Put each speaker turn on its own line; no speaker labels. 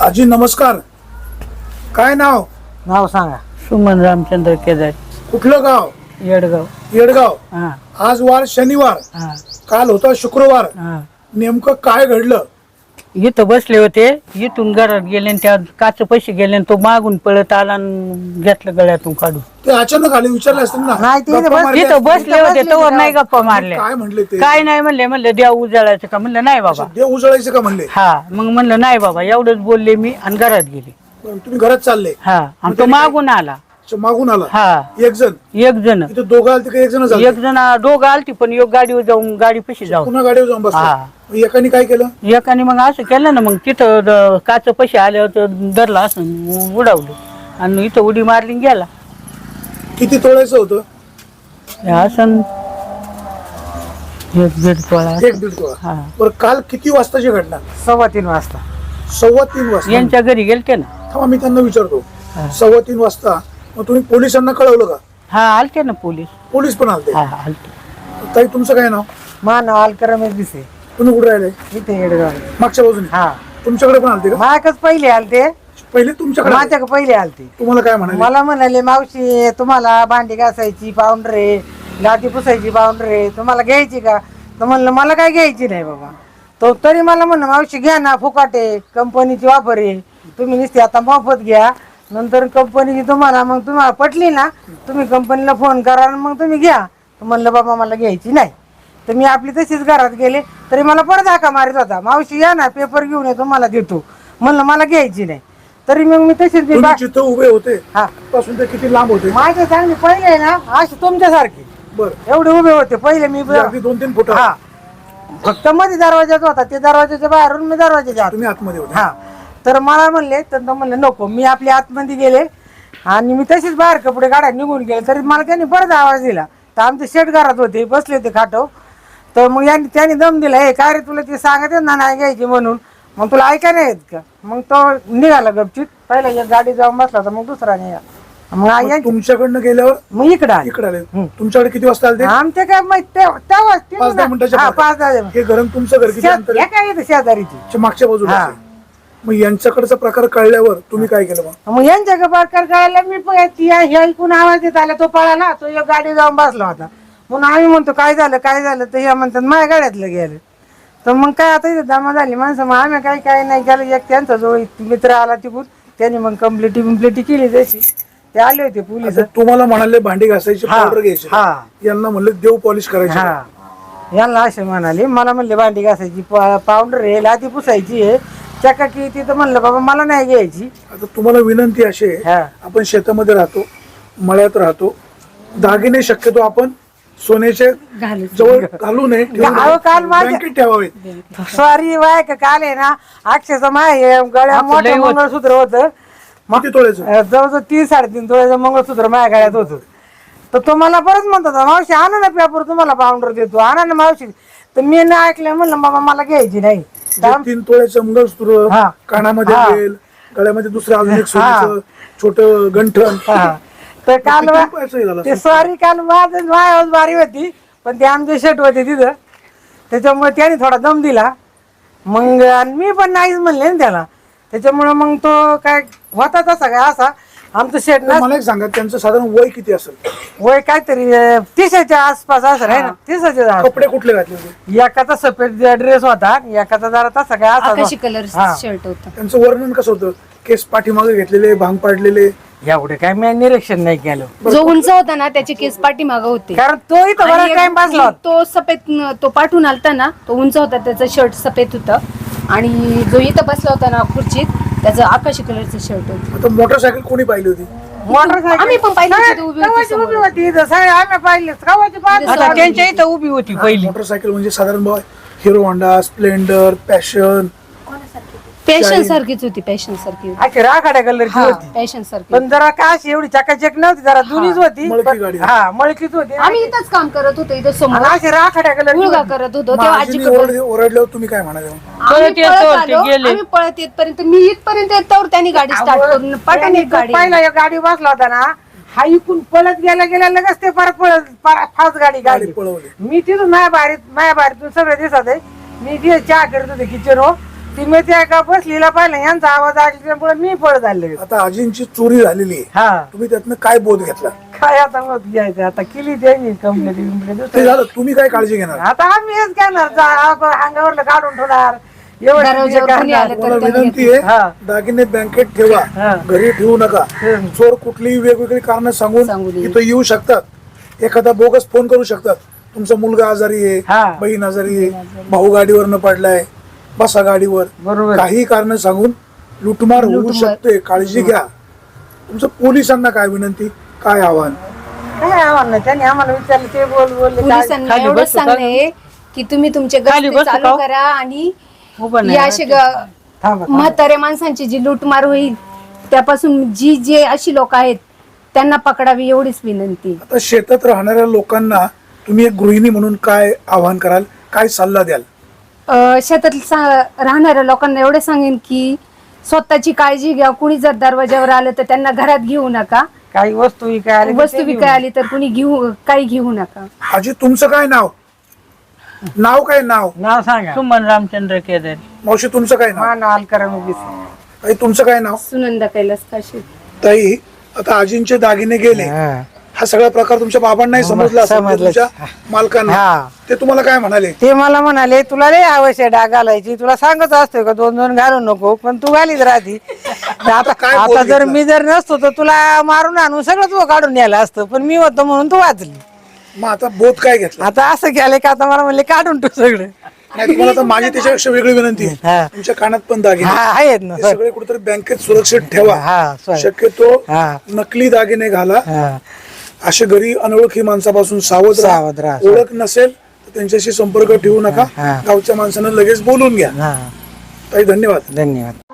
आजी नमस्कार. काय नाव?
नाव सांगा.
सुमन रामचंद्र केदार,
कुठलं गाव?
येडगाव.
येडगाव.
हा
आज वार शनिवार,
हा
काल होता शुक्रवार.
हा.
नेमकं काय घडलं?
इथं बसले होते, इथून घरात गेले आणि त्या काच पैसे गेले आणि तो मागून पळत आला आणि घेतलं गळ्यातून काढून.
ते अचानक आले, विचारले असतील ना?
नाही, ते
गप्पा मारल्या
इथं
असतील.
बसले होते तोवर नाही गप्पा मारल्या.
काय म्हणले ते?
काय नाही म्हणले. म्हणलं देव उजाळायचं का? म्हणलं नाही बाबा.
देव उजळायचं का म्हणले?
हा मग म्हणलं नाही बाबा, एवढंच बोलले मी आणि घरात गेले.
बरं, तुम्ही घरात चालले,
हा आणि तो मागून आला.
अच्छा, मागून आला
हा
एक जण.
एक जण
इथे दोघं आलते का एक जण झाले?
एक जण दोघं आलती, पण एक गाडीवर जाऊन गाडी पशी जाऊन
पुन्हा गाडीवर जाऊन बसला.
हा.
मग एकाने काय केलं?
एकाने मग असं केलं ना, मग तिथं काच पैसे आल्यावर तर धरला असं उडावलं आणि इथं उडी मारली आणि गेला.
किती तोळायचं होतं?
हे असं एक दीड तोळा.
1-1.5 तोळा.
हा.
बरं, काल किती वाजताची घटना?
3:15 वाजता.
3:15 वाजता.
यांच्या घरी गेलते ना.
थांबा, मी त्यांना विचारतो.
हा.
3:15 वाजता मग तुम्ही पोलिसांना कळवलं का?
हा आलते ना पोलीस.
पोलीस पण आलते?
हा आलते.
ताई, तुमचं काय नाव?
मा नाव अलकरमेश दिसे.
तुम्ही कुठे राहिले?
इथे येडगाव.
मागच्या बाजूने?
हा.
तुमच्याकडे पण आलते का?
माकच पहिले आलते.
पहिले तुमच्याकडे आले?
माझ्याकडे पहिले आलते.
तुम्हाला काय म्हणाले?
मला म्हणाले, मावशी तुम्हाला भांडी घासायची पावडर आहे, लादी पुसायची पावडर आहे, तुम्हाला घ्यायची का? तर म्हणलं मला काय घ्यायची नाही बाबा. तो तरी मला म्हणलं, मावशी घ्या ना, फुकाटे कंपनीची वापर आहे, तुम्ही नुसती आता मोफत घ्या, नंतर कंपनीची तुम्हाला मग तुम्हाला पटली ना, तुम्ही कंपनीला फोन करा आणि मग तुम्ही घ्या. तर म्हणलं बाबा मला घ्यायची नाही. तर मी आपली तशीच घरात गेले, तरी मला परत हाका मारित होता, मावशी या ना, पेपर घेऊन येतो, मला देतो. म्हणलं मला घ्यायची नाही. तरी मग मी तशीच
तुम्ही जिथं उभे होते
हा
पासून ते किती लांब होते?
माझे चांगली पहिले ना अशी तुमच्यासारखी
बरं,
एवढे उभे होते पहिले मी.
अगदी 2-3 फुट.
हा, फक्त मध्ये दरवाजाच होता, ते दरवाजाच्या बाहेरून मी दरवाजाच्या आत.
तुम्ही आतमध्ये होते?
हा. तर मला म्हणले, तर म्हणलं नको, मी आपल्या आतमध्ये गेले आणि मी तशीच बाहेर कपडे काढा निघून गेले. तरी मला त्यांनी परत आवाज दिला. तर आमचे शेट घरात होते, बसले होते खाटव. तर मग त्यांनी दम दिला, हे काय रे तुला ते सांगत ना नाही घ्यायची म्हणून, मग तुला ऐका नाही येत का? मग तो निघाला गपचित. पहिला एक गाडी जाऊन बसला होता, मग दुसरा निघाला. मग
तुमच्याकडनं गेल्यावर
मग इकडे आले.
इकडे आले. तुमच्याकडे किती वाजता आले ते?
आमचे काय माहिती तेव्हा
5-10 मिनिटाच्या
हा,
मागे.
5-10
हे घर आणि तुमचं घर किती अंतर आहे?
काय येतं शेजारीची.
अच्छा, मागच्या बाजूला
हा.
आहे. मग यांच्याकडचा प्रकार कळल्यावर तुम्ही काय केलं मग?
मग यांच्या प्रकार कळायला मी पण हे ऐकून आवाज येत आला, तो पळाला, तो एक गाडी जाऊन बसला होता. म्हणून आम्ही म्हणतो काय झालं काय झालं, तर हे म्हणतात माझ्या गाड्यातलं गेलं. तर मग काय आता इथे जमा झाली माणसं, मग आम्ही काय नाही केलं. एक त्यांचा जो मित्र आला तिकून, त्यांनी मग कंप्लेटी केली तशी. ते आले होते पोलीस.
आता तुम्हाला म्हणाले भांडी घासायची
हा.
पावडर घ्यायची,
हा.
यांना म्हणले देव पॉलिश करायची.
हा, यांना असे म्हणाले. मला म्हणले भांडी घासायची पावडर आहे, लादी पुसायची आहे, चकाकी. तिथं म्हणलं बाबा मला नाही घ्यायची.
आता तुम्हाला विनंती अशी आहे,
हा.
आपण शेतामध्ये राहतो, मळ्यात राहतो, दागिने शक्यतो आपण सोन्याचे जवळ घालू नये,
अहो, काल माझ्या-
बँकेत ठेवावेत.
सॉरी बाय का, काल आहे ना अक्षरशः माय गळ्या मोठं मंगळसूत्र होतं.
किती तोळ्याचं?
जवळजवळ 3-3.5 तोळ्याचं मंगळसूत्र माझ्या गळ्यात होतं. तर तो मला परत म्हणत होता, मावशी आणा ना पेपर, तुम्हाला पावडर देतो, आणा ना मावशी. तर मी नाही ऐकलं, म्हणलं बाबा मला घ्यायची नाही.
3 तोळ्याचं मंगळसूत्र,
हा.
कानामध्ये
हा.
बेल, गळ्यामध्ये दुसरं अजून एक सोन्याचं छोटं गंठण.
हा. तर काल
किती रुपयाचं हे झालं
ते
असेल?
सॉरी काल माझ्या बारी होती, पण ते आमचे शेट होते तिथं, त्याच्यामुळे त्याने थोडा दम दिला. मग आणि मी पण नाहीच म्हणले ना त्याला. त्याच्यामुळे मग तो काय होता तसा काय असा आमचं शेट ना.
मला एक सांगा, त्यांचं साधारण वय किती असेल?
वय काहीतरी 30च्या आसपास असं आहे ना, 30च्या.
कपडे कुठले घातले होते?
एकाचा सफेद ड्रेस होता, एकाचा जरा तसा काय
आकाशी
असा.
कलर
हा.
शर्ट होता.
त्यांचं वर्णन कसं होतं? केस पाठीमागे घेतलेले, भांग पाडलेले?
एवढे काय मी निरीक्षण नाही केलं,
जो उंच होता ना त्याचे केस पाठीमागं होते.
कारण तो इथं
आणि
बराच टाइम बसला होता.
तो सफेद, तो पाठून आलता ना, तो उंच होता, त्याचं शर्ट सफेद होतं. आणि जो इथं बसला होता ना खुर्चीत, त्याचं आकाशी कलरचं शर्ट होतं.
आता मोटरसायकल कोणी पाहिली होती?
मोटरसायकल
आम्ही पण पाहिली होती, उभी होती
कवाची
समोर.
उभी होती इथं, सगळे आम्ही पाहिले कवाची पाहत
आता
होतो.
त्यांच्या इथं उभी होती पहिली.
मोटरसायकल म्हणजे साधारण भाव Hero Honda, Splendor, Passion.
Passion सारखीच होती, पॅशन सारखी होती.
अशी राखाड्या कलरची होती,
पॅशन सारखी
पण जरा का अशी एवढी चकाचक नव्हती, जरा जुनीच होती.
मळकी
पण-
गाडी.
हा, मळकीच होती.
आम्ही इथंच काम करत होतो, इथं समोर
आणि अशी राखाड्या कलरची
मुलगा
होती.
करत होतो तेव्हा आजीकडे.
ओरडल्यावर तुम्ही काय म्हणाले?
आम्ही
पळत येत
पळत
होते,
आलो,
गेले.
आम्ही पळत येतपर्यंत, मी इथपर्यंत येतावर त्यांनी गाडी स्टार्ट करून पटाने
तो
गाडी.
पहिला एक गाडी बसला होता ना, हा इकून पळत गेला लगेच ते फार फास्ट गाडी
गाडी पळवली.
मी तिथून माझ्या बारीतून सगळं दिसत आहे. मी तिथे चहा करत होते किचन हो, ती मी त्या एका बसलीला पाहिलं यांचा आवाज ऐकल्यामुळे मी पळ झाले.
आता आजींची चोरी झालेली आहे,
हा
तुम्ही त्यातनं काय बोध घेतला?
काय आता मत घ्यायचं, आता केली त्यांनी कंप्लेंट
ते झालं, तुम्ही काय काळजी घेणार?
आता आम्ही हेच घेणार अंगावरलं काढून ठेवणार
दरवाजावर कोणी आलं
मला
तर त्यांनी
विनंती आहे,
हा.
दागिने बँकेत ठेवा,
हा.
घरी ठेवू नका.
हम्म.
चोर कुठलीही वेगवेगळी कारण
सांगून
सांगून
येईल.
इथं येऊ शकतात. एखादा बोगस फोन करू शकतात, तुमचा मुलगा आजारी आहे,
हा.
बहीण आजारी आहे, भाऊ गाडीवर पडलाय, बसा गाडीवर,
बरोबर.
काही कारण सांगून लुटमार होऊ
लुटमार.
शकते. काळजी घ्या. तुमचं पोलिसांना काय विनंती, काय आव्हान?
काय आव्हान नाही, त्यांनी आम्हाला विचारलं ते बोलले काय
पोलिसांना
खाली
एवढंच
बसू,
सांगणे की तुम्ही तुमचे
खाली
गस्ती
बसू
चालू
का?
करा आणि
उभं नाही
या अशी
थांबा, थांबा.
म्हाताऱ्या माणसांची जी लूटमार होईल त्यापासून जे अशी लोक आहेत त्यांना पकडावी एवढीच विनंती.
आता शेतात राहणाऱ्या लोकांना तुम्ही एक गृहिणी म्हणून काय आव्हान कराल, काय सल्ला द्याल?
शेतात राहणाऱ्या लोकांना एवढं सांगेन की स्वतःची काळजी घ्या. कुणी जर दरवाजावर आलं तर त्यांना घरात घेऊ नका.
काही वस्तू विकाय आली तर
वस्तू
ते
विकाय आली तर कुणी काही घेऊ नका.
आजी तुमचं काय नाव? नाव काय नाव?
नाव सांगा.
सुमन रामचंद्र केदार.
मावशी तुमचं काय नाव?
मान अलकरम उगीच.
ताई तुमचं काय नाव?
सुनंदा कैलास काशी.
ताई, आता आजींचे दागिने गेले,
हा.
हा सगळा प्रकार तुमच्या बाबांनाही समजला असेल,
समजलं.
तुमच्या मालकांना.
हा.
ते तुम्हाला काय म्हणाले?
ते मला म्हणाले तुला लय आवश्यक डाग घालायची, तुला सांगत असतोय का 2-2 घालू नको, पण तू घालीत राहती. आता
काय बोल
आता जर
घेतला?
मी जर नसतो तर तुला मारून आणून सगळं तू काढून न्यायला असतं, पण मी होतो म्हणून तू वाचली.
मग आता बोध काय घेतला?
आता असं केलंय का आता मला म्हणले काढून तू सगळं.
नाही, तुम्हाला आता माझी त्याच्यापेक्षा वेगळी विनंती आहे.
हा.
तुमच्या कानात पण दागिने
हा आहेत ना
ते
सर.
सगळे कुठेतरी बँकेत सुरक्षित ठेवा.
हा सर.
शक्यतो
हा.
नकली दागिने घाला.
हा.
असे घरी अनोळखी माणसापासून सावध
सावध राहा.
ओळख नसेल तर त्यांच्याशी संपर्क ठेवू नका.
हा.
गावच्या माणसानं लगेच बोलून घ्या.
हा.
ताई धन्यवाद.
धन्यवाद.